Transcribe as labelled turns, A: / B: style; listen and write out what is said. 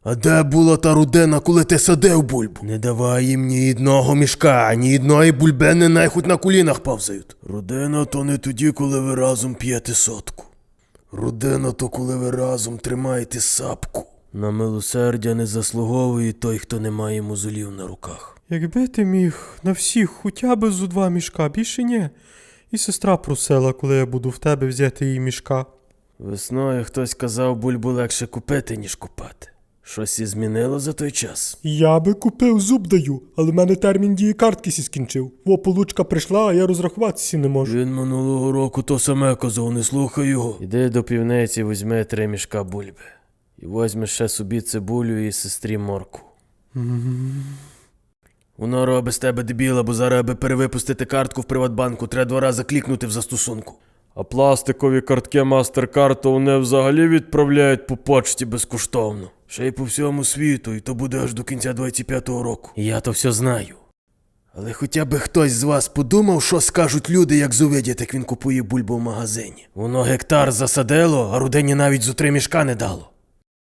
A: А де була та Рудена, коли ти садив бульбу? Не давай їм ні одного мішка, ні одної бульбени, найхуть на колінах повзають. Рудена то не тоді, коли ви разом п'єте сотку. Рудена то коли ви разом тримаєте сапку. На милосердя не заслуговує той, хто не має мозолів на руках.
B: Якби ти міг на всіх хоча б зо 2 мішка, більше ні. І сестра просила, коли я буду в тебе, взяти її мішка.
A: Весною хтось казав, бульбу легше купити, ніж купати. Щось і змінило за той час?
B: Я би купив, зуб даю, але в мене термін дії картки сі скінчив. Во, получка прийшла, а я розрахуватися не можу.
A: Він минулого року то саме казав, не слухай його. Іди до півниці, візьми 3 мішка бульби. І возьми ще собі цибулю і сестрі морку. Воно робить з тебе дебіла, бо зараз, аби перевипустити картку в Приватбанку, треба 2 рази клікнути в застосунку. А пластикові картки MasterCard то вони взагалі відправляють по почті безкоштовно. Ще й по всьому світу, і то буде аж до кінця 25-го року. І я то все знаю. Але хоча б хтось з вас подумав, що скажуть люди, як зувидять, як він купує бульбу в магазині. Воно гектар засадило, а Рудені навіть зо 3 мішка не дало.